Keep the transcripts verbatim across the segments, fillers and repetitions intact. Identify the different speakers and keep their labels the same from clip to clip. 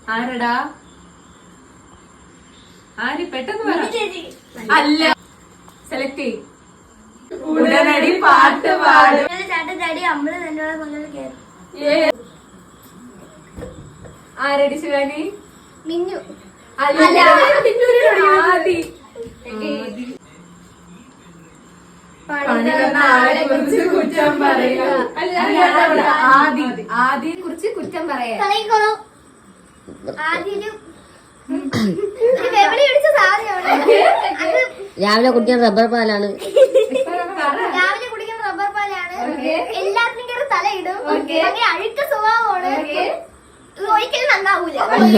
Speaker 1: ആരടാ? ആര്? പെട്ടെന്ന് പറ. അല്ല, സെലക്ട് ചെയ്. ഉടനടി പാട്ട് പാടും. ആരടി ശിവാനി?
Speaker 2: മിന്നു.
Speaker 1: അല്ല, ആദി. പണി തന്ന ആളെ കുറിച്ച് കുറ്റം പറയുക. ആദി ആദിയെ കുറിച്ച് കുറ്റം പറയാ.
Speaker 3: രാവിലെ കുടിക്കാൻ റബ്ബർ പാലാണ്.
Speaker 2: രാവിലെ കുടിക്കുന്ന റബ്ബർ പാലാണ്. എല്ലാത്തിനും കയറി തലയിടും. അഴുക്ക സ്വഭാവമാണ്. ഒരിക്കലും നന്നാവൂല.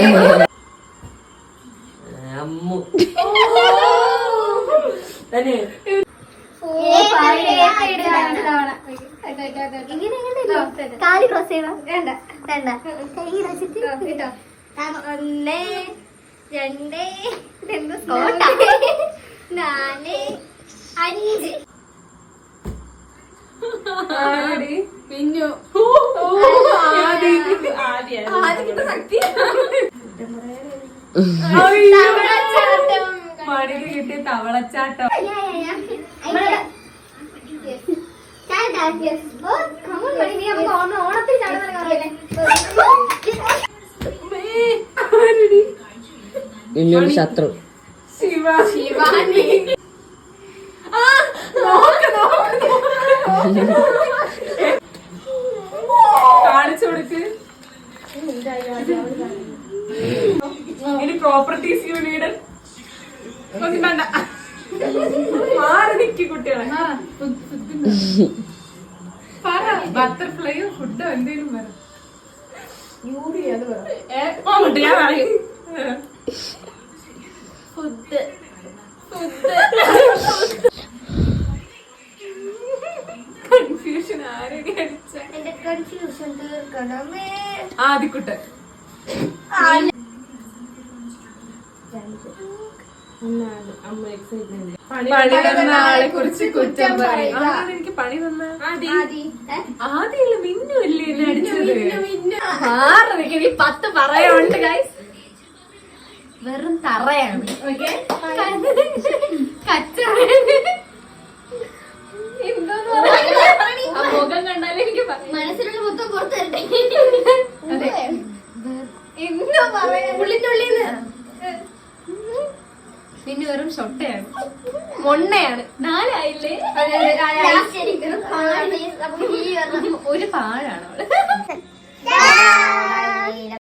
Speaker 3: അമ്മു
Speaker 2: കാല് ക്രോസ് ചെയ്യണം. വേണ്ട വേണ്ട. കൈ വെച്ചിട്ട് ഒന്ന് രണ്ട് രണ്ട് നാല് അഞ്ച്.
Speaker 1: പിന്നു ശക്തി മടിയിൽ കിട്ടിയ തവളച്ചാട്ടം.
Speaker 2: ഓണത്തിൽ ചാടുന്ന
Speaker 3: പിന്നൊരു ശത്രു.
Speaker 1: ശിവ ശിവാനി. കാണിച്ചു കൊടുക്ക്. ഇനി പ്രോപ്പർട്ടീസ് യൂണിയൻ ഒന്നും വേണ്ട. മാറി നിക്കി കുട്ടികളെ. പറ, ബട്ടർഫ്ലൈയോ ഫുഡോ എന്തേലും പറ. ഞാൻ പറയും ഫുഡ്. കൺഫ്യൂഷൻ ആരൊക്കെ അടിച്ച
Speaker 2: എന്റെ കൺഫ്യൂഷൻ തീർക്കണമേ.
Speaker 1: ആദിക്കുട്ടൻ. പണി തന്ന ആളെ കുറിച്ച് കുറ്റം പറയും. ആരാണ് എനിക്ക് പണി തന്ന? ആദ്യല്ല മിന്നു അല്ലേ എന്നെ അടിച്ചത്? ആറരയ്ക്ക് നീ പത്ത് പറയാനുണ്ട് ഗൈസ്. വെറും തറയാണ്. ഓക്കെ, എന്തോന്ന് പറയാ? മുഖം കണ്ടാലും എനിക്ക്
Speaker 2: മനസ്സിലുള്ള മൊത്തം പുറത്തരട്ടെ.
Speaker 1: എന്തോ പറയാ? ഉള്ളിനുള്ളിന്ന് പിന്നെ വെറും ഷൊട്ടയാണ്, മൊണ്ണയാണ്. നാലായില്ലേ? ഒരു പാഴാണ് അവള്.